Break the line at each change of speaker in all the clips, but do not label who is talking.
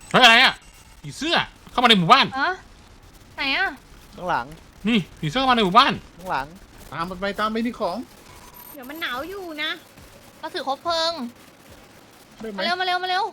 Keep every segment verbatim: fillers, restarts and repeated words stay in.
เฮ้ยอะไรอ่ะผีเสื้อเข้ามาในหมู่บ้าน
อะไหนอะ
ข้างหลัง
นี่ผีเสื้อเข้ามาในหมู่บ้าน
ข้างหลัง
ตามมันไปตามไปนี่ของ
เดี๋ยวมันหนาวอยู่นะ
เราถือคบเพลิง
ได้ไหม
มาเร็วมาเร็วมาเร็วน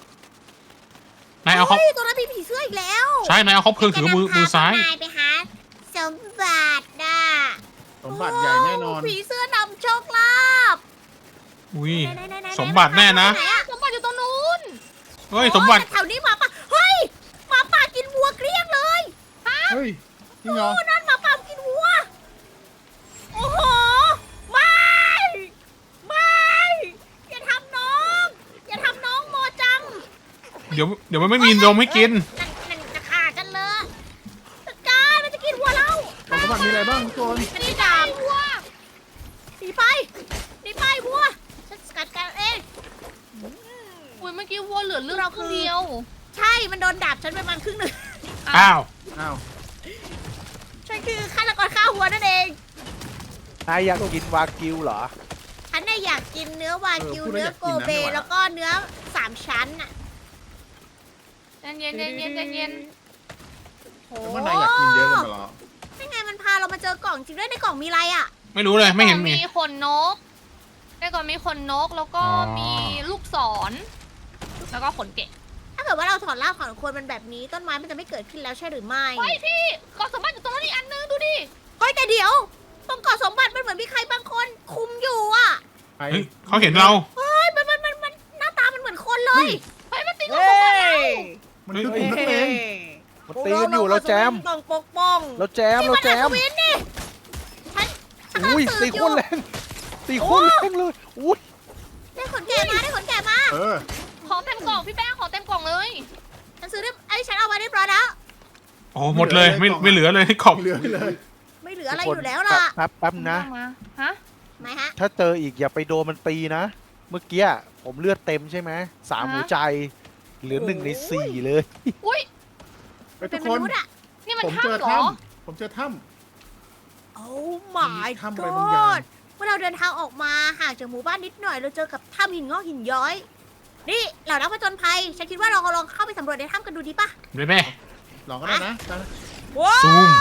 ายเอาเขา
เฮ้ยตัวนั้นมีผีเสื้ออีกแล้ว
ใช่นายเอาเขาเพลิงถือมือมือซ้าย
จะนำพพวกนายไปหาสมบัติน่ะ
สมบัติใหญ่แน่นอน
โผีเสื้อนำโชคลาภ
อุ้ย
ไหนๆๆๆ
สมบัติแน่นะ
ไหนอะ
สมบัติอยู่ตรงนู้น
เฮ้ยสมบัติ
โอ้แถวนี้หมาป่าเฮ้ยหมาป่ากินวัวเกลี้ยงเลย
เฮ้ยจริงเหรอ
โอ้นั่นหมาป่ากินวัว โอ้โห ไม่ ไม่ อย่าทำน้อง อย่าทำน้องโมจัง
เดี๋ยวเดี๋ยวมันไม่มีนมให้กิน
นั่นนั่นจะฆ่ากันเลยจัดการมันจะกินวัวเรา
ของสมบัติมีอะไรบ้างทุกคน
มันนี่ดาบวัวหนีไปหนีไปวัวฉันสกัดกันเอง
อุ้ยเมื่อกี้วัวเหลือเลือด
เรา
ค
คือ
รึ่งเดียว
ใช่ มันโดนดาบฉันไปประมาณครึ่งหนึ่ง
อ้าว
อ้าว
ฉันคือฆาตกรฆ่าวัวนั่นเอง
นายอยากกินวากิวเหรอ
ฉันน่ะอยากกินเนื้อวากิวเนื้อโกเบแล้วก็เนื้อสามชั้นอ่ะ
ใจเย็นใจเย็นใจเย็น
โอ้
แต่ว่านายอยากกินเยอะกันมาหรอ
นี่ไงมันพาเรามาเจอกล่องจริงด้วยในกล่องมีอะไรอ่ะ
ไม่รู้เลยไม่เห็นมี
มีขนนกในก่อนมีขนนกแล้วก็
อ๋อ
มีลูกศร แล้วก็ขนเกะ
ถ้าเกิดว่าเราถอดรากของคนมันแบบนี้ต้นไม้มันจะไม่เกิดขึ้นแล้วใช่หรือไม่
เฮ้ยพี่กล่องสมบัติอยู่ตรงนั้นอีกอันนึงดูดิ
เฮ้ยแต่เดี๋ยวตรงเกาะสมบัติมันเหมือนมีใครบางคนคุมอยู่อ่ะ
ใคร
เฮ้ยเขาเห็นเรา
เฮ้ยมันมันมันมันหน้าตามันเหมือนคนเลย
เฮ้ยมันตีกล่องสมบัติเรา
มันคือกลุ่มนักเลง
มันตีกันอยู่เราแจม
ต้องปกป้อง
เราแจมเราแจม
นี่นอัศวินนี่ฉันฉันกำลัง
อุ้ย
สื
ตี
บอ
โค
ยู่
นแรงตีโคนแรงเลยอุ้ย
ได้ขนแกะมาได้ขนแกะมา
เออ
ของเต็มกล่องพี่แป้งของเต็มกล่องเลย
ฉันซื้อได้ไอ้ยฉันเอามาเรียบร้อยแล้ว
โอ้หมดเลยไม่ไม่เหลือเลยขอบ
เหลือเลย
ไม่เหลืออะไรอยู่แล้วล่ะ
แป๊บแป๊บนะ
มาฮะ
ไหมฮะ
ถ้าเจออีกอย่าไปโดนมันตีนะ เมื่อกี้ผมเลือดเต็มใช่ไหมสาม
ฮะ
หัวใจ เหลือหนึ่งในสี่เลย
อุ้ย
ไป
เป็
ทุ
น
ก
ม
คน
นุษย์อะ
นี่มัน
ผมเจอ
ถ้ำเหรอ
ถ้ำผมเจอถ้
โอ้ my
มีถ้ำอะไรบางอย่าง
god เมื่อเราเดินทางออกมาห่างจากหมู่บ้านนิดหน่อยเราเจอกับถ้ำหินงอกหินย้อย นี่เหล่านักผจญภัย ฉันคิดว่าเราลองเข้าไปสำรวจในถ้ำกันดูดีป่ะ
เลยแม่
ำลองก็ได้นะได้นะ
ว้าว
ซูม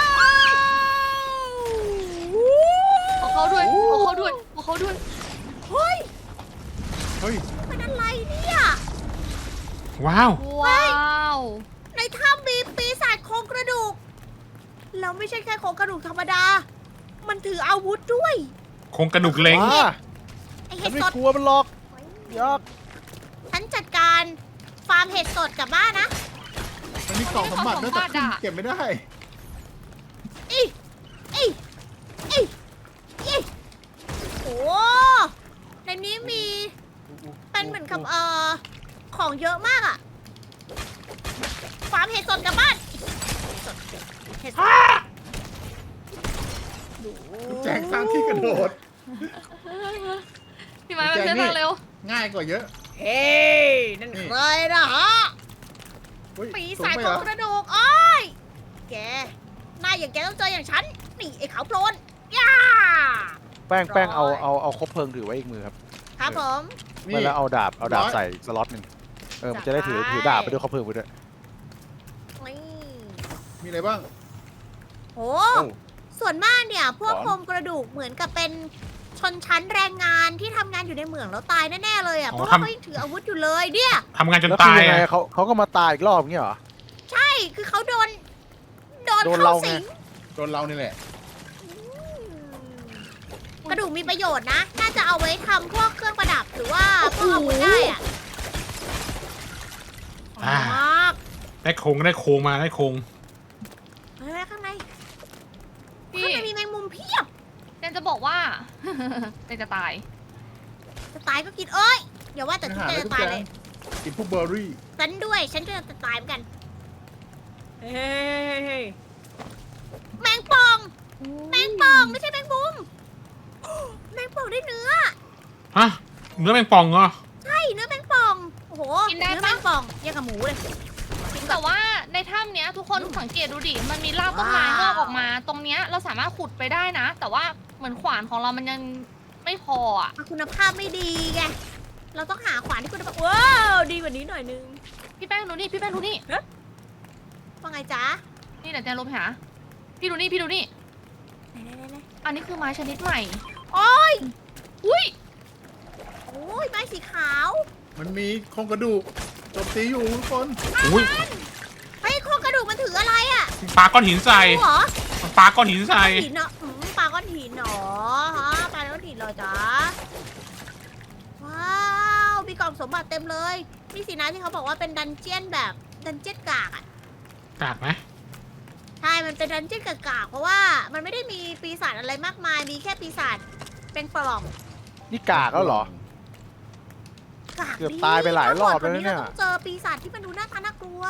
ขอเขาด้วยขอเขาด้วยขอเขาด้วย
เฮ้ย
เฮ้ย
มันอะไรเนี่ย
ว้าว
ว้าว
ในถ้ำมีปีศาจโครงกระดูก แล้วไม่ใช่แค่โครงกระดูกธรรมดา มันถืออาวุธด้วย
โครงกระดูกเล้ง
ว้า
ไอ
ฉั
เห็
น
ด
ไม่
สด
กลัวมันหรอกยอก
ฉันจัดการฟาร์มเห็ดสดกลับบ้านนะ
มันมีกล่องสมบัติด้วยแต่ขึ้นเก็บไม่ได้
อีอีอีอีโอ้ในนี้มีเป็นเหมือนกับเอ่อของเยอะมากอะฟาร์มเห็ดสดกลับบ้านเห็ดสด
แจกสร้างที่กระโดด
พี่ไม้มาเชื่อทางเร็ว
ง่ายกว่าเยอะ
เฮ้ยนั่นใครนะฮะ
เฮ้ย
ปี
สูง
ศาจ
ไป
ข
เหร
อง
อก
ระดูกอ้อยแกนายอย่างแกต้องเจออย่างฉัน นี่ไอ้ขาวโพลนย่า
แป้งแป้งเอา
ร้อย
เอาเอาคบเพลิงถือไว้อีกมือครับ
ครับผม
นี่
ไม่แล้วเอาดาบเอาดาบ
ร้อย
ใส่สล็อตหนึ่งเออมันจะได้ถือ
จัดไป
ถือดาบไปด้วยคบเพลิงไปด้วย
นี่
มีอะไรบ้าง
โอ้
โอ้
ส่วนมากเนี่ย พวก
หรอ
โครงกระดูกเหมือนกับเป็นชนชั้นแรงงานที่ทำงานอยู่ในเหมืองแล้วตายแน่ๆเลยอ่ะ
อ๋
เพ
อ
ราะว่า
ทำ
เขายังถืออาวุธอยู่เลยเนี่ย
ทำงานจน
แล้ว
ตา
คื
ย
อยังไง
อะ
เขาเขาก็มาตายอีกรอบอย่างเงี้ยเหรอ
ใช่คือเขาโดน โดน
โดน
เข้า
เราไง
สิง
โดนเรานี่แหละ
กระดูกมีประโยชน์นะ น่าจะเอาไว้ทำพวกเครื่องประดับหรือว่าพวกอาวุธได้อ่ะ
อ่า
มาก
ได้โครงได้โครงมาได้โครง
เฮ้ยข้างใน
พี่
ข้างในมีแมงมุมเพียบ
เจนจะบอกว่า เจนจะตาย
จะตายก็กินเอ้ยอย่าว่าแต่
อา
ทุก
หาร
เจ
แล้ว
จะ
ทุก
ตาย
อย่า
เล
ง
ย
กินพวกเบอร์รี่
ฉันด้วย ฉันก็จะตายเหมือนกัน เฮ้ยแมงป่อง แมงป่องไม่ใช่แมงมุม แมงป่องได้เนื้อ
ฮะเนื้อแมงป่องเหรอ
ใช่เนื้อแมงป่อง โอ้โห
กินได้
เนื้อ
ปะ
แมงป่องยังกับหมูเลยกินแบ
แต่
บ
ว่าในถ้ำเนี้ยทุกคนสังเกตดูดิ มันมีรากต้นไม้ง
ว้าว
อกออกมา ตรงเนี้ยเราสามารถขุดไปได้นะ แต่ว่าเหมือนขวานของเรามันยังไม่พออ่ะ
คุณภาพไม่ดีไงเราต้องหาขวานที่คุณภาพว้าวดีกว่านี้หน่อยนึง
พี่แป้งดูนี่พี่แป้งดูนี่
ว่าไงจ๊ะ
นี่เดี๋ยวแจงลงไปหาพี่ดูนี่พี่ดูนี่
ไหนไหนไหนไหน
อันนี้คือไม้ชนิดใหม่
โอ้ย
อุ้ย
โอ้ยไม้สีขาว
มันมีโครงกระดูกโจมตีอยู่ทุกคน
อุ้ย
เฮ้ยโครงกระดูกมันถืออะไรอ่ะ
ปลาก้อนหินใส่
รู้เหรอ
ปลาก้อนหินใส่
ก้อนหินเนาะอืมปลาก้อนหินเหรอฮะปลาก้อนหินเหรอจ๊ะว้าวมีกล่องสมบัติเต็มเลยนี่สินะที่เขาบอกว่าเป็นดันเจียนแบบดันเจียนกากอ่ะ
กากไหม
ใช่ มันเป็นดันเจี้ยนกากๆเพราะว่ามันไม่ได้มีปีศาจอะไรมากมาย มีแค่ปีศาจเป็นปล่อง
นี่กากแล้วเหรอ
กาก
เกือบตายไปหลายรอบแล้วเนี่ย
ราต้องเจอปีศาจที่มันดูหน้าตาน่ากลัว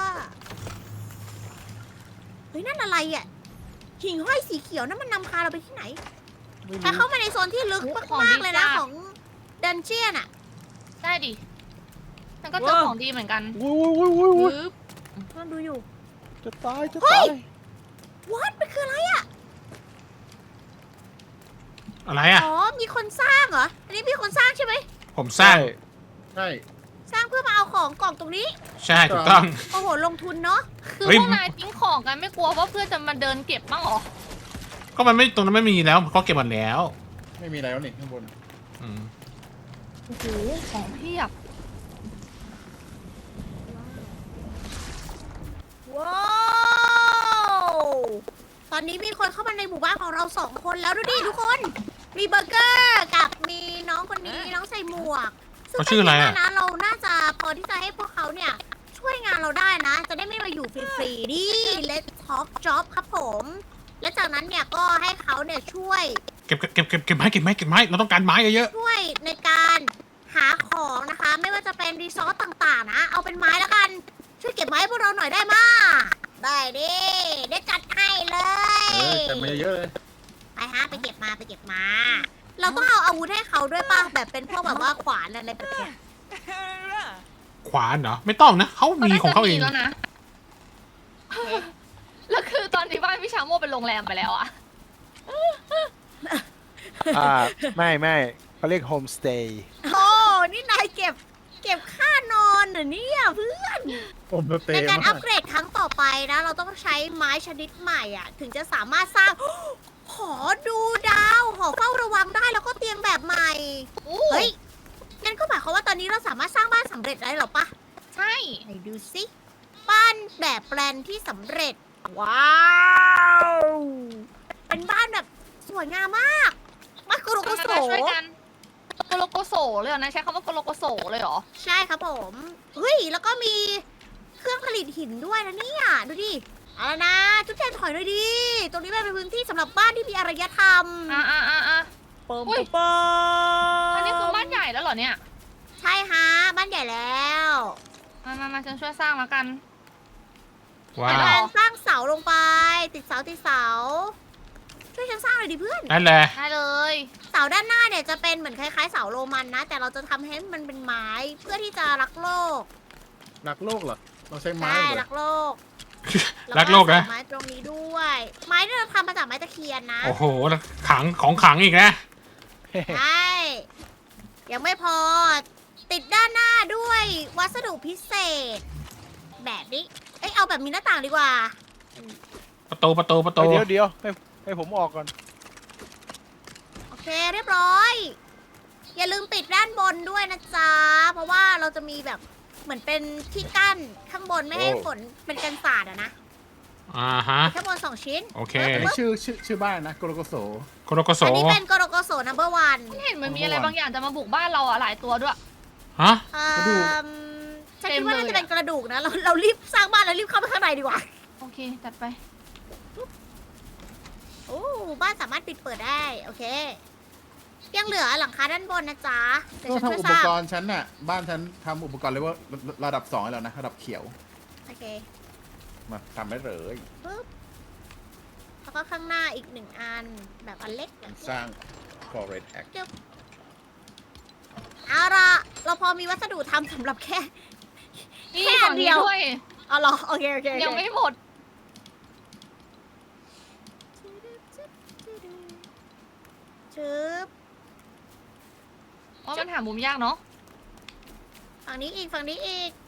เฮ้ยนั่นอะไรอ่ะ หิ่งห้อยสีเขียวนั่นมันนำพาเราไปที่ไหน
ไม่
ถ้า
รู้
เข้ามาในโซนที่ลึกมากๆเลยนะของดันเจียนอ่ะ
ได้ดิฉันก็เจอของดีเหมือนกัน
อุ้ยอุ้ยอุ้ยอุ้ย
ปึ๊บ
ต้องดูอยู่
จะตายจะ
เฮ้
ตาย ย
วัดมันคืออะไรอ่ะ
อะไรอ่ะ
อ๋อ มีคนสร้างเหรอ อันนี้มีคนสร้างใช่ไหม
ผมสร้าง
ใช่
สร้างเพื่อมาเอาของกล่องตรงนี้
ใช่ถูกต้อง
โอ้โห ลงทุนเนาะ
คือ
เฮ้ย
พวกนายทิ้งของกันไม่กลัวว่าเพื่อนจะมาเดินเก็บบ้างเหรอ
ก็มันไม่ตรงนั้นไม่มีแล้วก็เก็บหมดแล้ว
ไม่มีอะไรแล้วนี่ข้างบน
อืม
โอ้โหของเพียบ
ว้าว ตอนนี้มีคนเข้ามาในหมู่บ้านของเราสองคนแล้วดูดิทุกคน มีเบอร์เกอร์กับมีน้องคนนี้น้องใส่หมวก ซึ่ง
เขาชื่ออะไร
เป็น
อ่ะ
ที่ว่านะเราน่าจะพอที่จะให้พวกเขาเนี่ยช่วยงานเราได้นะ จะได้ไม่มาอยู่ฟรีๆดิ Let's talk job ครับผม และจากนั้นเนี่ยก็ให้เขาเนี่ยช่วย
เก็บเก็บเก็บเก็บเก็บไม้เก็บไม้เก็บไม้เราต้องการไม้เยอะ
ช่วยในการหาของนะคะ ไม่ว่าจะเป็นรีซอสต่างๆนะ เอาเป็นไม้แล้วกัน ช่วยเก็บไม้ให้พวกเราหน่อยได้มาได้ดิได้จัดให้เล
เอย อจัดมาเยอะๆเลย
ไปฮะไปเก็บมาไปเก็บมา เราต้องเอาอาวุธให้เขาด้วยป่ะแบบเป็นพวกแบบว่าขวานอะไรแบบเนี้ย
ๆขวานเหรอไม่ต้องนะเขามีของเขาเอง
แล้วนะ แล้วคือตอนนี้บ้านพี่ชาโมเป็นโรงแรมไปแล้วอะ
อ่าไม่ไม่เขาเรียกโฮมสเตย์
โอ้นี่นายเก็บ เก็บค่านอนเหรอเนี่ยเพื่อน
ผมสเต
ใน
ย์
การ
มา
อั
ก
ปเกรดครั้งต่อไปนะ เราต้องใช้ไม้ชนิดใหม่อ่ะ ถึงจะสามารถสร้าง หอดูดาวหอเฝ้าระวังได้แล้วก็เตียงแบบใหม่
อู้
เฮ้ยงั้นก็หมายความว่าตอนนี้เราสามารถสร้างบ้านสำเร็จได้หรอปะ
ใช่
ไหนดูสิบ้านแบบแปลนที่สำเร็จ ว้าว เป็นบ้านแบบสวยงามมากมากโกโรโกโส
มาช่วยกันโกโลโกโสเลยเหรอนะใช้คำว่าโกโลโกโสเลยเหรอ
ใช่ครับผมเฮ้ยแล้วก็มีเครื่องผลิตหินด้วยนะเนี่ยดูดิเอาละนะจุ๊บแจงถอยหน่อยดิตรงนี้มันเป็นพื้นที่สำหรับบ้านที่มีอารยธรรม
อ่าอ่าอ่าอ่า
ปม
อุ๊ย
ปม
อันนี้คือบ้านใหญ่แล้วเหรอเนี่ย
ใช่ฮะบ้านใหญ่แล้ว
มามามาฉันช่วยสร้างแล้วกัน
ว้า
เดี๋ยว
ว
การสร้างเสาลงไป ติดเสาติดเสา ช่วยฉันสร้างหน่อยดิเพื่อน
ได้เลย
ได้เลย
เสาด้านหน้าเนี่ยจะเป็นเหมือนคล้ายๆเสาโรมันนะ แต่เราจะทำให้มันเป็นไม้เพื่อที่จะรักโลก
รักโลกเหรอ เราใช้ไม้
ใช่
เหร
รั
อก
โลก
รักโลกนะ
แวใส่ไม้ตรงนี้ด้วย ไม้ที่เราทำมาจากไม้ตะเคียนนะ
โอ้โหขังของขังอีกนะ
ใช่ ยังไม่พอ ติดด้านหน้าด้วยวัสดุพิเศษ แบบนี้ เอ้ยเอาแบบมีหน้าต่างดีกว่า
ประตูประตูประตู
เดี๋ยวเดี๋ยวให้ให้ผมออกก่อน
โอเคเรียบร้อย อย่าลืมปิดด้านบนด้วยนะจ๊ะ เพราะว่าเราจะมีแบบเหมือนเป็นที่กั้นข้างบนไม่ให้
โอ้
ฝนเป็นกันศาสตร์อะนะ
อ่าฮะ
ข้างบนสองชิ้น
โอเค
อันนี้ชื่อชื่อชื่อบ้านนะโกโลโกโส
โคโรโกโส
อันนี้เป็นโกโรโกโส นัมเบอร์วัน
เห็นมันมีอะไรบางอย่างจะมาบุกบ้านเราอะหลายตัวด้วย
ฮะ
กระดูก
ฉันคิดว่า
เต็มเลย
น่าจะเป็นกระดูกนะ เราเรารีบสร้างบ้านแล้วรีบเข้าไปข้างในดีกว่า
โอเคจัดไป
โอ้บ้านสามารถปิดเปิดได้ โอเค ยังเหลือหลังคาด้านบนนะจ๊ะ เดี๋ยว
ก็
ฉันช่วย
ทำอุ
ส
ป
ร้าง
กรณ์ฉันน่ะ บ้านฉันทำอุปกรณ์เลยว่าระดับสองแล้วนะ ระดับเขียว
โอเค
มาทำได้เลย
ปึ๊บแล้วก็ข้างหน้าอีกหนึ่งอันแบบอันเล็กแบบนี้
สร้าง Forest Act
เอาละเราพอมีวัสดุทำสำหรับแค่
นี่
แค่
ฝั่ง
เดี
นี้
ยว
ด้วย
เอาเหรอโอเคโอเคโอเค
ยังไม่หมด
ชึบ
ว่ามันหามุมยากเนาะ
ฝั่งนี้อีกฝั่งนี้อีก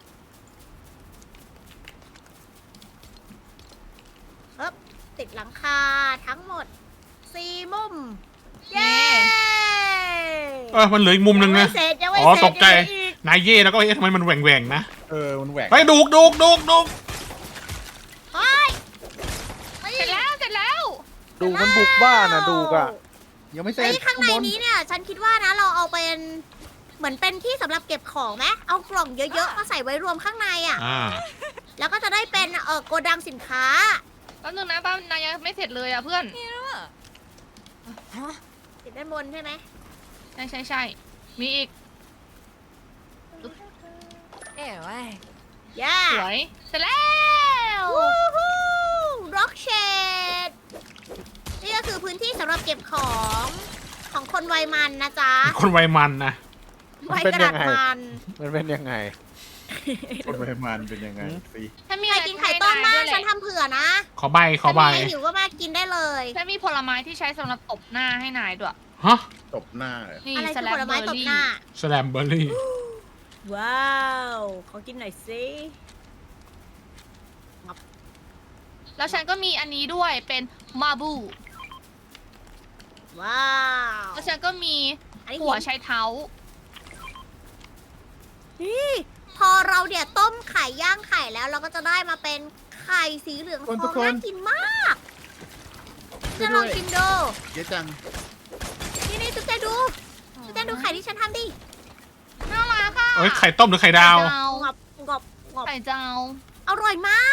เอ๊บติดหลังคาทั้งหมดสี่มุม เย้
เออมันเหลืออีกมุมหนึ่ง
ยัง
นะ
ไม่เสร็จยังไม่
อ๋อ
เสร็จ
ตกใจ
ยังเหลืออีก
นายเย่แล้วก็เอ๊ะทำไมมันแหว่งแหว่งๆนะ
เออมันแหวก
ไปดูกดูกดูกดูก
เฮ้ย
เสร็จแล้วเสร็จแล้ว
ดูมันบุกบ้านอะดูกอะ
ยังไม่เสร็
ไอ้
จ
ยข้างใน
บ
นี้เนี่ย ฉันคิดว่านะเราเอาเป็นเหมือนเป็นที่สำหรับเก็บของไหมเอากล่องเยอะๆมาใส่ไว้รวมข้างในอ่ะ
อ่า
แล้วก็จะได้เป็นเออโกดังสินค้า
แป๊บนึงนะบ้านนายยังไม่เสร็จเลยอ่ะเพื่อน
ติดด้านบนใช่ไหม
ใช่ใช่ใช่มีอีก
ย่า
สวยเสร็จแล้ว
วู้ฮู้ร็อกเชดนี่ก็คือพื้นที่สำหรับเก็บของของคนวัยมันนะจ๊ะ
คนวัยมันนะ
วัยกระดาษมัน
มันเป็นยังไง
คนประมาณเป็นยังไง
หืม
สิ
ฉันมี
ใคร
อะไร
กินไข่ต้มมาก
ให้
ฉั
นาย
นทำเผื่อนะ
ขอใบขอใบ
ถ้ามีหิวก็มากินได้เลย
ด้วยฉันมีผลไม้ที่ใช้สำหรับตบหน้าให้นายด้วย
ฮะ
ตบหน้าเลย
นี่
อะไร
ส
คือ
แล
ผ
ม
ล
เบ
ไม้
อร์
ตบ
รี่
หน้า
สแลมเบอร์รี่
ว้าวขอกินหน่อยสิ
แล้วฉันก็มีอันนี้ด้วยเป็นมาบู
ว้าว
แล้วฉันก็มี
อันนี้
หัว
หิน
ไชเท้า
นี่พอเราเนี่ยต้มไข่ย่างไข่แล้วเราก็จะได้มาเป็นไข่สีเหลืองทองน่ากินมากจะลองชิมดู
เยอะจัง
นี่นี่ตุ๊กแกดูตุ๊กแกดูไข่ที่ฉันทำดิ
น่ารักอ่ะ
เอ้ยไข่ต้มหรือไข่ดาว
ไข่ดาว
งอบงอบงอบ
ไข่ดาว
อร่อยมาก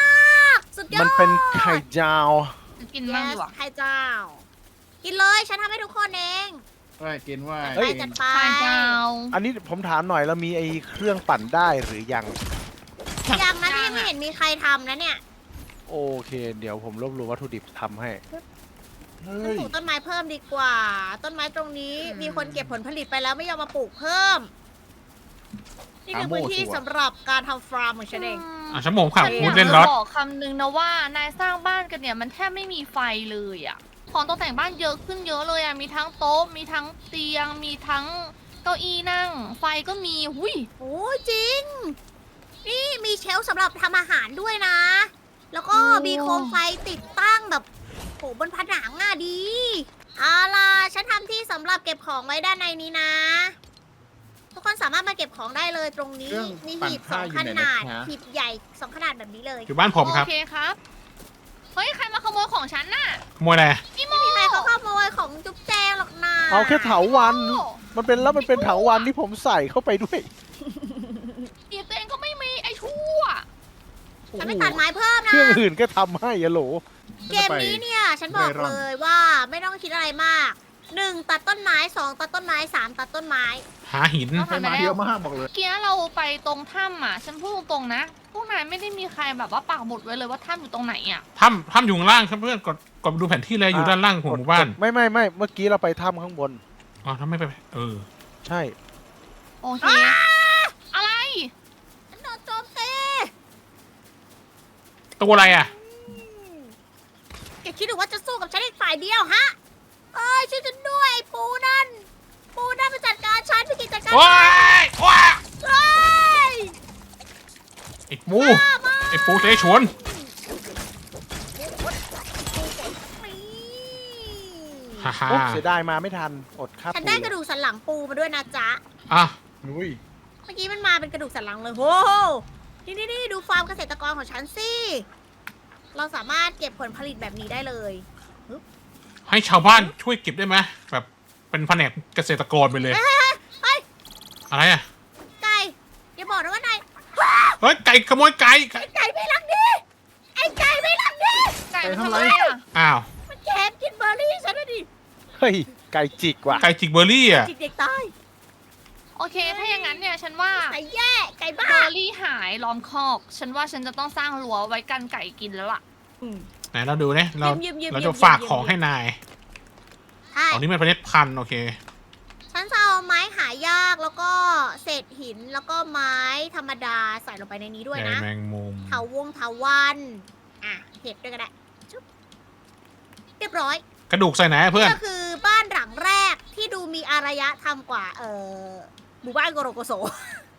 สุดยอด
มันเป็นไข่จาว
กินบ้างดี
Yes
กว่า
ไข่เจ้า กินเลยฉันทำให้ทุกคนเอง
ว่ากินว่า
ไปจัดไป
ไข่ดาว
อันนี้ผมถามหน่อยแล้วมีไอ้เครื่องปั่นได้หรือยัง
ยังนะที่ยังไม่เห็นมีใครทำนะเนี่ย
โอเค เดี๋ยวผมรวบรวมวัตถุดิบทำให้
เฮ้
ฉัน
ย
ปลูกต้นไม้เพิ่มดีกว่า ต้นไม้ตรงนี้มีคนเก็บผลผลิตไปแล้วไม่ยอมมาปลูกเพิ่ม นี่คือพื้นที่สำหรับการทำฟาร์มของฉันเอง
อ่ะชั่วโมงค่ะ
ฉัน
พู
อ
ด
ยาก
เล่น
จะ
รถ
บอกคำนึงนะว่านายสร้างบ้านกันเนี่ยมันแทบไม่มีไฟเลยอ่ะ ของตกแต่งบ้านเยอะขึ้นเยอะเลยอ่ะ มีทั้งโต๊ะ มีทั้งเตียง มีทั้งเก้าอี้นั่ง ไฟก็มี หุย
โอ้ยจริง นี่มีเชลฟ์สำหรับทำอาหารด้วยนะ แล้วก็
โอ้
มีโคมไฟติดตั้งแบบโหบนผนังอ่ะดีเอาล่ะฉันทำที่สำหรับเก็บของไว้ด้านในนี้นะ ทุกคนสามารถมาเก็บของได้เลยตรงนี้
เครื่อง
มี
ปั่น
หีบส
ผ้า
อง
อยู่
ข
ไหน
นาด
นะคะ
หีบใหญ่สองขนาดแบบนี้เลย
อยู่บ้านผมครับ
โอเคครับ เฮ้ย ใครมาขโมยของฉันน่ะ
ขโมยอะไร
พี่โม
ไม่มีใครเขาขโมยของจุ๊บแจงหรอกนะ
เอาแค่เถาวัน มันเป็นแล้วมันเป็นเถาวันที่ผมใส่เข้าไปด้วย
เดี๋ยวตัวเองก็ไม่มีไอ้ชั่ว
ฉันไม่ตัดไม้เพิ่ม
เค
นะ
รื่องอื่นก็ทำให้อะโหล
เกมนี้เนี่ยฉันบอกเลยว่าไม่ต้องคิดอะไรมากหนึ่งตัดต้นไม้สองตัดต้นไม้สามตัดต้นไม้
หาหิน
เอา
ใช้มาเยอะมากบอกเลย
เมื่อกี้เราไปตรงถ้ำอ่ะ ฉันพูดตรงๆนะ พวกนายไม่ได้มีใครแบบว่าปักหมุดไว้เลยว่าถ้ำอยู่ตรงไหนอ่ะ
ถ้ำถ้ำอยู่ข้างล่างครับเพื่อนกดกดดูแผนที่เลยอยู่ด้านล่างของหมู่บ้าน
ไม่ไม่ไม่เมื่อกี้เราไปถ้ำข้างบน
อ๋อถ้าไม่ไปเออ
ใช่
โอเค อะไร
ฉันโดนโจมตี
ตัวอะไรอ่ะ
แกคิดหรือว่าจะสู้กับฉันอีกฝ่ายเดียวฮะเอ้ยช่วยฉันด้วยไอ้ปูนั่น ปูนั่นมาจัดการฉันพี่กิจจัดการ
โอ้ยว้า
เฮ้ย
ไอ้ปูไอ้ปูเสฉวน ฮ่าฮ่า
โอ๊ะเสียดายมาไม่ทัน อดค่า
ฉัน
ปู
ได้กระดูกสันหลังปูมาด้วยนะจ๊ะ
อ่ะ
อุ้ย
เมื่อกี้มันมาเป็นกระดูกสันหลังเลยโอ้โหนี่นี่นี่ดูฟาร์มเกษตรกรของฉันสิ เราสามารถเก็บผลผลิตแบบนี้ได้เลย
ให้ชาวบ้านช่วยเก็บได้ไหมแบบเป็นแผนกเกษตรกรไปเลย
เฮ้ยเฮ้ย
อะไรอ่ะ
ไก่อย่าบอกนะว่านาย
เฮ้ยไก่ขโมยไก่ไก่
ไอ้ไก่ไม่รักดีไอ้ไก่ไม่รักดี
ไก่
ไก่
มัน
ทำ
ทำ
ไร
ไรอ่ะ
อ้าว
มันแกบกินเบอร์รี่ฉันนะดิ
เฮ้ย ไก่จิกว่ะ
ไก่จิกเบอร์รี่อ่ะ
จิกเด็กตาย
โอเค ถ้าอย่างนั้นเนี่ย ฉันว่า
ไก่แย่ไก่บ้า
เบอร์รี่หายล้อมคอก ฉันว่าฉันจะต้องสร้างรั้วไว้กันไก่กินแล้วล่ะ
ไหนเราดูเนี่ยเรา
ยืมยืมยืม
เราจะ
ยืม
ฝาก
ยืม
ของให้นาย
ใช่
อ๋อนี่มันประเทศพันธุ์โอเค
ฉันจะเอาไม้หายากแล้วก็เศษหินแล้วก็ไม้ธรรมดาใส่ลงไปในนี้ด้วย
ใย
นะ
แมงมุม
เถาวงเถาวันอ่ะเห็ดด้วยก็ได้ชุบเรียบร้อย
กระดูกใส่ไหนอะเพื่อน
ก็คือบ้านหลังแรกที่ดูมีอารยธรรมกว่า เออหมู่บ้านโกโรโกโซ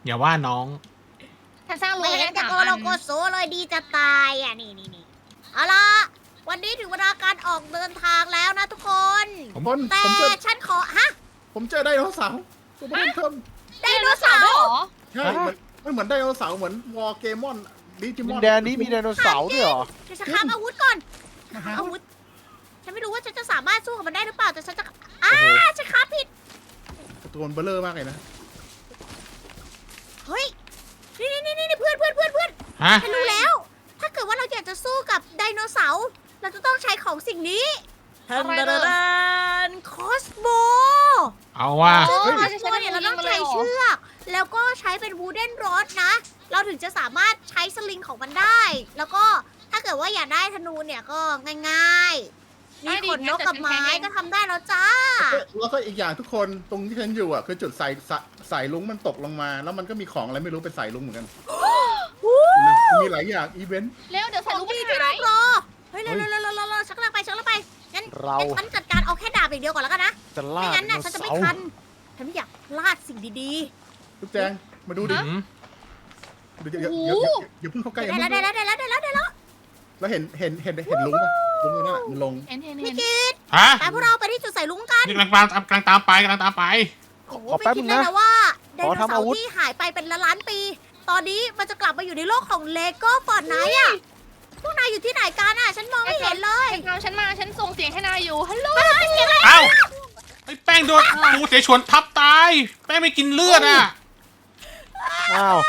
อย่าว่าน้อง
ฉันสร้างโล
ไม่
ได้
เห็นจะ
สาม
โก
อั
โล
น
โกโซเลยดีจะตายอ่ะนี่นี่นี่เอาล่ะวันนี้ถึงเวลาการออกเดินทางแล้วนะทุกคน
ผม
แต่
ผมเจอ
ฉันขอฮะ
ผมเจอไดโนเสาร์ตัวเพิ่ม
ไดโนเสาร์
ด้วยเหรอ
ใช่มันมันเหมือนไดโนเสาร์เหมือนวอร์เกมอนดิจิม
ดิ
อน
นแดนนี้มีไดโนเสาร์ด้วยเหรอ
เดี๋ยวฉันคาบอาวุธก่อน
นะฮะ
อาวุธ ฉันไม่รู้ว่าฉันจะสามารถสู้กับมันได้หรือเปล่า แต่ฉันจะอ้าฉันคาบผิด
ตัวมันเบลเลอร์มากเลยนะ
เฮ้ย นี่นี่นี่นี่เพื่อนเพื่อนเพื่อนเพื่อน
ฮะ
ฉันรู้แล้ว ถ้าเกิดว่าเราอยากจะสู้กับไดโนเสาร์ เราจะต้องใช้ของสิ่งนี้
อะไรเหรอ
คอสโบ
เอาว่า
ซึ่ง
เฮ้ย
คอสโบเนี่ยเราต้องใช้เชือก แล้วก็ใช้เป็นวูเดนรอดนะ เราถึงจะสามารถใช้สลิงของมันได้ แล้วก็ถ้าเกิดว่าอยากได้ธนูเนี่ยก็ง่ายๆมีขนนกกับไม้ก็ทำได้แล้วจ้า
แล้วก็อีกอย่างทุกคนตรงที่ฉันอยู่อ่ะคือจุดสายสายสายลุงมันตกลงมา แล้วมันก็มีของอะไรไม่รู้เป็นสายลุงเหมือนกันมีหลายอย่างอีเวนต์
เร็วเดี๋ยว
ข
ใส่
อง
ลูก
ดี
ไป
ที่
ไหน
ต้องรอ เฮ้ยเร็วเร็วเร็วเร็วเร็วฉันกำลังไปฉันกำลังไป งั้น
เรา
งั้นฉันจัดการเอาแค่ดาบอย่างเดียวก่อนแล้วกันนะ
จะล่า
ไม่
ได
งั้น
โน
น่ะฉันจะ
เสา
ไม่
ร์
ทัน ฉันไม่อยากพลาดสิ่งดี
ทุกแจงมาดูดิ
อืม
เดี๋ยวเดี๋ยวเดี๋ยวเดี๋ยวอย่าเพิ่งเข้า
ๆ
ใกล้
ได้
อย่า
แล้ว
เพิ่ง
ได้แล้วได้แล้วได้แล้วได้แล้ว
แล้วเห็นเห็นเห็นเห็นลุงป่ะลุงตรงนั้นอ่ะมันลง
เห็นเห็น
มิ
เห็น
กิต
ฮะ
ไปพวกเราไปที่จุดใส่ลุงกัน
นี่กำลังตามกำลังตามไปกำลังตามไป
โอ้โห
ขอ
ไม่
แป๊บ
คิด
นึ
เล
ง
ย
นะ
นะว่าได
ขอ
โน
ทำ
เสา
อาวุ
ร์
ธ
ที่หายไปเป็นล้านล้านปี ตอนนี้มันจะกลับมาอยู่ในโลกของเลโก้ฟอร์ดไนท์อ่ะ พวกนายอยู่ที่ไหนกันอ่ะ ฉันมองไม่เห็นเลย
ตามฉันมาฉันส่งเสียงให้นายอยู่ฮัลโหล
เอ้าไอ้แป้งโดนปูเสฉวนทับตาย แป้งไม่กินเลือดอ่ะ
อ้าว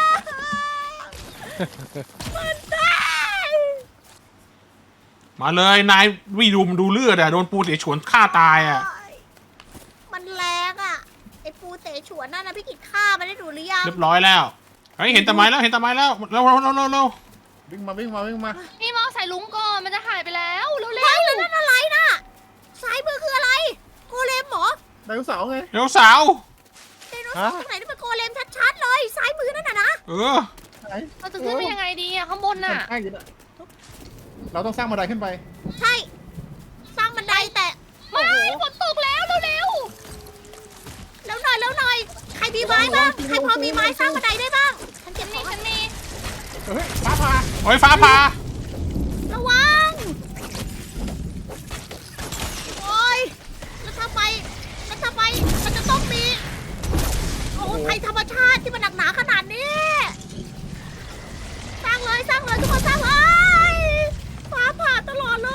มาเลยนายวิดุมดูเลือดอ่ะโดนปูเสฉวนฆ่าตายอ่ะ
มันแรงอ่ะ ไอ้ปูเตะฉวนนั่นนะพี่กิจฆ่ามันได้ดูหรือยัง
เรียบร้อยแล้วเฮ้ยเห็นตะไม้แล้วเห็นตะไม้แล้วเร็วเร็วเร็วเร็วเร็ว
วิ่งมาวิ่งมาวิ่งมา
นี่มาใส่ลุงก่อนมันจะหายไปแล้วเร็ว
เฮ้ยแล้วนั่นอะไรน่ะ ซ้ายมือคืออะไร โกเลมเหรอ
ไดโนเสาร์ไง
เร็วสาว
ไดโนเสาร์ตรงไหนนี่เป็นโกเลมชัดๆเลย ซ้ายมือนั่นน่ะนะ
เออ
ไหน
ๆเราจะขึ้นไปยังไงดีอะข้างบนน่ะ
ใช่อยู่น่ะเราต้องสร้างบันไดขึ้นไป
ใช่ สร้างบันไดแต่
ไม่ฝนตกแล้วเร็ว
แล้วหน่อยแล้วหน่อย ใครมีไม้บ้าง ใครพอมีไม้สร้างบันไดได้บ้าง ฉันเก็บ
ๆ
ขอ
นี่
ง
ฉันมี
เฮ้ยฟ้าผ่า
โอ้ยฟ้าผ่า
ระวัง โอ้ยแล้วถ้าไปแล้วถ้าไปมันจะต้องมี โอ้ภัยธรรมชาติที่มันหนักหนาขนาดนี้ สร้างเลยสร้างเลยทุกคนสร้างเลยฟ้าผ่าตลอดเลย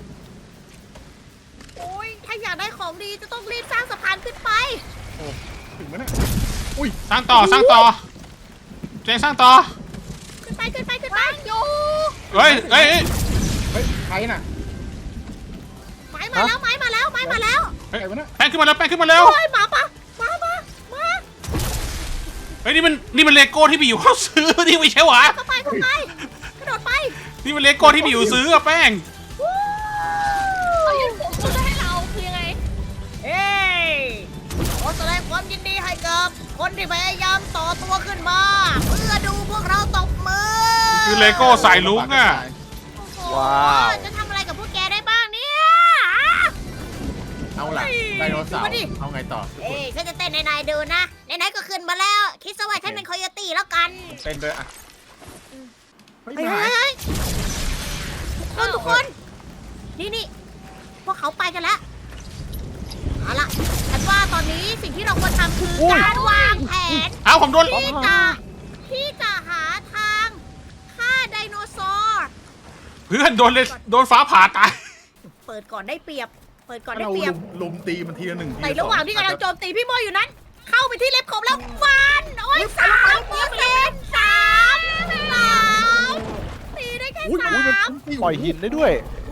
โอ้ยถ้าอยากได้ของดีจะต้องรีบสร้างสะพานขึ้นไป
ถึงไหมเนี่ย
สร้างต่อสร้างต่อเจงสร้างต่อ
ขึ้นไปขึ้นไปขึ้นไป
อยู่
เฮ้ยเฮ้ยเฮ้ย
เฮ้ยใครน่ะ
ไม้มาแล้วไม้มาแล้วไม้มาแล้ว
ใครวะเนี่ย
แป้งขึ้นมาแล้วแป้งขึ้นมาเร็ว
โอ้ยหมาปะมามามา
เฮ้ยนี่มันนี่มันเลโก้ที่พี่อยู่เขาซื้อนี่ไม่ใช่หวะ
เข้าไปเข้าไปกระโดดไป
นี่มันเลโก้ที่พี่อยู่ซื้ออะแป้ง
วู้
เขายื่นผมคุณจะให้เราคือยังไง
เฮ้ยขอแสดงความยินดีให้กับคนที่พยายามต่อตัวขึ้นมา เพื่อดูพวกเราตบมือ
คือเลโก้สายลุงอะ
โอ้โห
ว้าว
จะทำอะไรกับพวกแกได้บ้างเนี่ย
เอาล่ะไดโนเสาร์เอาไงต่อ
เอ้ยฉันจะเต้นในนายดูนะไหนๆก็ขึ้นมาแล้ว คิดซะว่าฉันเป็นคอยตี้แล้วกัน
เต้นเลยอ่ะเฮ้ย
เฮ้ย
หาย
เฮ้ยเฮ้ยทุกคนทุกคน นี่นี่พวกเขาไปกันแล้ว เอาล่ะ ฉันว่าตอนนี้สิ่งที่เราควรทำคืออย การวางแผน
เอ้าผมโดน
ที่จะที่จะหาทางฆ่าไดโนเสาร์
เพื่อนโดนเลยโดนฟ้าผ่าตาย
เปิดก่อนได้เปรียบ เปิดก่อนได้
เรา
เปรีย
ลุ
บ
มลุมตีมันทีละหนึ่งที
ใน
ล
ระหว่างที่กำลังโจมตีพี่โมอยู่นั้น เข้าไปที่เล็บขบแล้วฟัน โอ้ยสามเปอร์เซ็นต์สามสามตีได้แค่
อุ้ย
สา
อุ้ยมัน
ม
ปล่อยหินได้ด้วย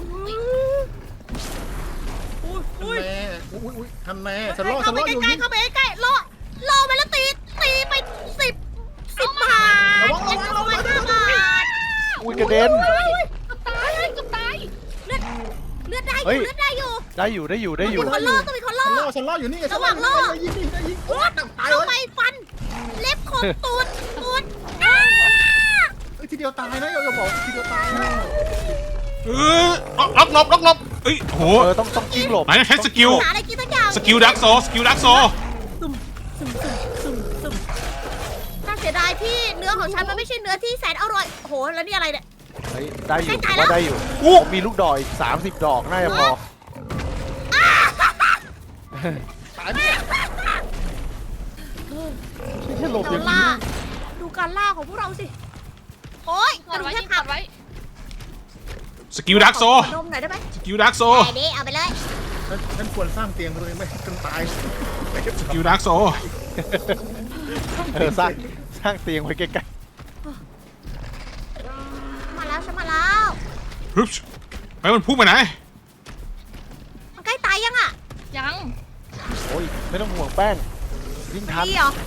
อุ้ย
ทัน
อุ้ย
แน่อุ้ยอุ้ยทันแน่ฉันรอดฉั
เข้าน ไป
รอดอยู่
ใกล้
นี่
ๆเข้าไปใกล้ๆล่อล่อไปแล้วตีตีไปสิบสิบบาท
ระวังระวังระวัง
ห้าบาท
อุ้ยกระเด็น
เกับตายเกับตาย
เลือดเลือดได้อ
เฮ้
ยู่
ย
เลือดได้อยู่
ได้อยู่ได้อยู่ได้อยู่
มีคนล่อต้องมีคนล่อ
ฉันรอดฉันรอดอยู่นี่ไงฉัน
ระหว่างรอด
ยิงยิงยิงโอ้ยตาย
เข้า
เล
ไป
ย
ฟัน เล็บขบตูดตูดอ้า
เฮ้ยทีเดียวตายนะอย่าบอกทีเดียวตายนะ
เออล็อกหลบล็อกหลบเอ้ยโห
เออต้องต้องกิ้งหลบ
ไหนใช้สกิล
หาอะไรกินสักอย่าง
สกิลดักโซสกิลดักโซ
ฟซึมซึมซึมซึมน่าเสียดายที่เนื้อของฉันมันไม่ใช่เนื้อที่แสนอร่อยโอ้โหแล้วนี่อะไรเนี่ย
เฮ้ยได้อยู่
ใกล้
ผม
ๆแล้ว
ว่าได้อยู่
อู้
ผมมีลูกดอกอีกสามสิบดอกน่าจะพอ
ตายเนี่ย
ไม่ใช่หลบอย่าง
เราล่า
นี้
ดูการล่าของพวกเราสิโอ้ย
ก
กระ
ด
ดูก
ไว้
แท
ยิ
บ
ง
หั
ก
ก
ดไว้
สกิลดักโซ
ขอนมหน่อยได้ไหม
สกิลดักโซ
ไอ้นี่เอาไปเลย
ฉันฉันควรสร้างเตียงมาตัวเองไหมจนตาย
สกิลดักโซ
เออสร้างสร้างเตียงไว้ใกล้
มาแล้วฉันมาแล้ว
ฮึบไปมันพุ่งไปไหน
มันใกล้ตายยังอ่ะ
ยัง
ๆโอ้ยไม่ต้องห่วงแป้งวิ่งทัน
ดีเหรอ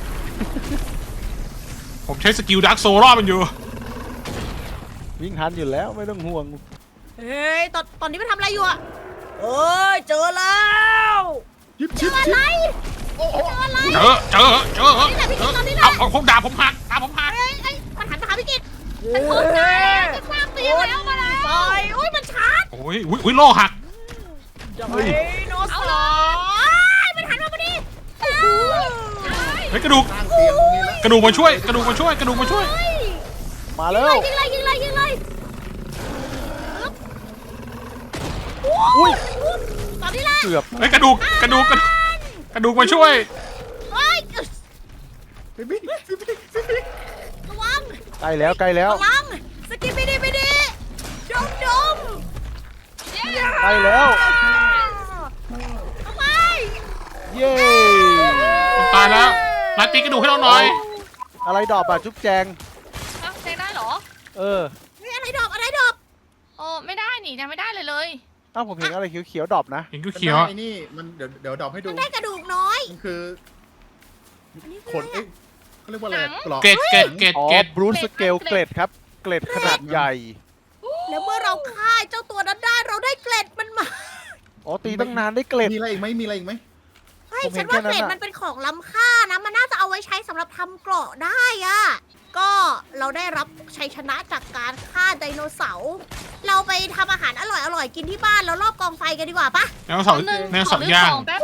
ผมใช้สกิลดักโซรอบมันอยู่
วิ่งทันอยู่แล้วไม่ต้องห่วง
เฮ้ยตอนตอนนี้มันทำอะไรอยู่อ่ะเอ้ยเจอแล้ว
ยิบ
เจ
ชิบ
ออะ
ชิบ
ไร
โอ้โห
เจออะไร
เจอเจอเจอ
นี่แหละพี่กิตตอนนี้แหละ
เอาเอาผมด่าผมหักด่าผมหัก
เอ้ยเอ้ยมันหันมาหาพี่กิต
ฉันพบได้แล้วฉันสร้างเตียงแล้วมาแล้ว
ซอยโอ้ยมันชาร์จ
โอ้ยอุ้ยอุ้ยโลหัก
เฮ้ย
โน
เอา
ส
เล
อย ยมันหันมาพอดีเอ้ย
เฮ้ยกระดูก
สร้างเตียงตรงนี้แล้ว
กระดูกมาช่วย กระดูกมาช่วย กระดูกมาช่วย
เฮ้ย
มาแล้ว
ยิงเลยยิงเลยยิงเลยปึ๊บ
อุ้ย
ตอนนี้แหละ
เกือบ
เฮ้ยกระดูก กระดูก กระดูกกระดูกมาช่วย
เฮ้ย
พี่พี่พี่พี่พี่พี่
ระวัง
ใกล้แล้วใกล้แล้ว
ระวังสกิปไปดีไปดีดมดม
ใกล้แล้ว
ทำไม
เย้
ตายแล้วมาตีกระดูกให้เราหน่อย
อะไรดอกอ่ะจุ๊บแจง
อ่ะใช้ได้เหรอ
เออ
เฮ้ยอะไรดอกอะไรดอก
เออไม่ได้นี่ยังไม่ได้เลยเลย
เอ้าผมเห็นอะไรเขียวๆดอกนะ
เห็น
มัน
เขียว
ได้
ๆอะ
ไอ้นี่มันเดี๋ยวเดี๋ยวดอกให้ดู
มันได้กระดูกน้อย
มันคือ
อันนี้
ข
คือน อะไร
เอ๊ะ
อะ
เขาเรียกว่าอะไรกรอก
เกรดเกรดเกรด
อ๋อ
เกรด
บรูซสเกลเกรดครับ เกรดขนาดใหญ่
แล้วเมื่อเราฆ่าเจ้าตัวนั้นได้เราได้เกล็ดมันมา
อ๋อตีตั้งนานได้เกรด
มีอะไรอีกไหมมีอะไรอีกไหม
เฮ้ย
ผมเห็
ฉั
น
นว่า
แค่นั้น
เกล็ด
อะ
มันเป็นของล้ำค่านะ มันน่าจะเอาไว้ใช้สำหรับทำเกราะได้อะก็เราได้รับชัยชนะจากการฆ่าไดโนเสาร์เราไปทำอาหารอร่อยๆกินที่บ้านแล้วรอบกองไฟกันดีกว่าปะ
แนวเสา
แป๊บนึง
แนว
ขอ
เสา
เลือก
ย่า
ข
ง
องแป๊บ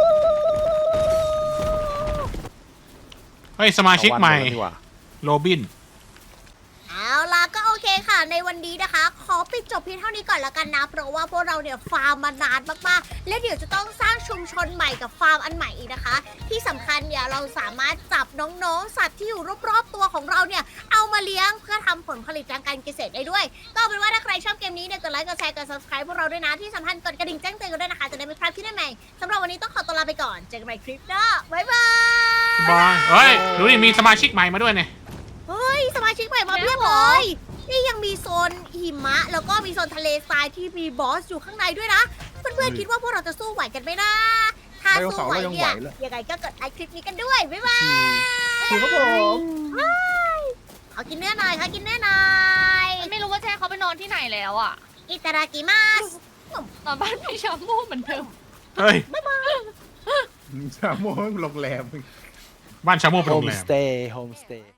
เฮ้ยสมาชิกใหม่
เอาวันก่อนดีกว่า
โรบิน
เอาล่ะก็โอเคค่ะ ในวันนี้นะคะ ขอปิดจบเพียงเท่านี้ก่อนแล้วกันนะ เพราะว่าพวกเราเนี่ยฟาร์มมานานมากๆ และเดี๋ยวจะต้องสร้างชุมชนใหม่กับฟาร์มอันใหม่อีกนะคะ ที่สำคัญเนี่ยเราสามารถจับน้องๆ สัตว์ที่อยู่รอบๆตัวของเราเนี่ย เอามาเลี้ยงเพื่อทำผลผลิตทางการเกษตรได้ด้วย ก็เอาเป็นว่าถ้าใครชอบเกมนี้เนี่ยกดไลค์กดแชร์กด subscribe พวกเราด้วยนะที่สำคัญกดกระดิ่งแจ้งเตือนกันด้วยนะคะจะได้ไม่พลาดคลิปใหม่ๆสำหรับวันนี้ต้องขอตัวลาไปก่อนเจอกันใหม่คลิปหน้าบ๊ายบาย
บายเฮ้ยดูดิมีสมาชิกใหม่มาด้วยเนี่ย
เฮ้ย สมาชิกใหม่มาเพียบเลย นี่ยังมีโซนหิมะ แล้วก็มีโซนทะเลทรายที่มีบอสอยู่ข้างในด้วยนะ เพื่อนๆคิดว่าพวกเราจะสู้ไหวกันไหมนะ ถ้าสู้ไหวเนี่ยยังไงก็กดไลค์คลิปนี้กันด้วย บ๊ายบาย
คือครับผม
ขอกินเนื้อหน่อยขอกินเนื้อหน่อย
ไม่รู้ว่าแช่เขาไปนอนที่ไหนแล้วอ่ะ
อิตาดากิมัส
นอนบ้านพี่ชามูเหมือนเดิม
เฮ้ย
ชาโมงโรงแรม
บ้านชาโมเป็น
โฮ
โร
ม
งแร
ส
ม
เตย์โฮมสเตย์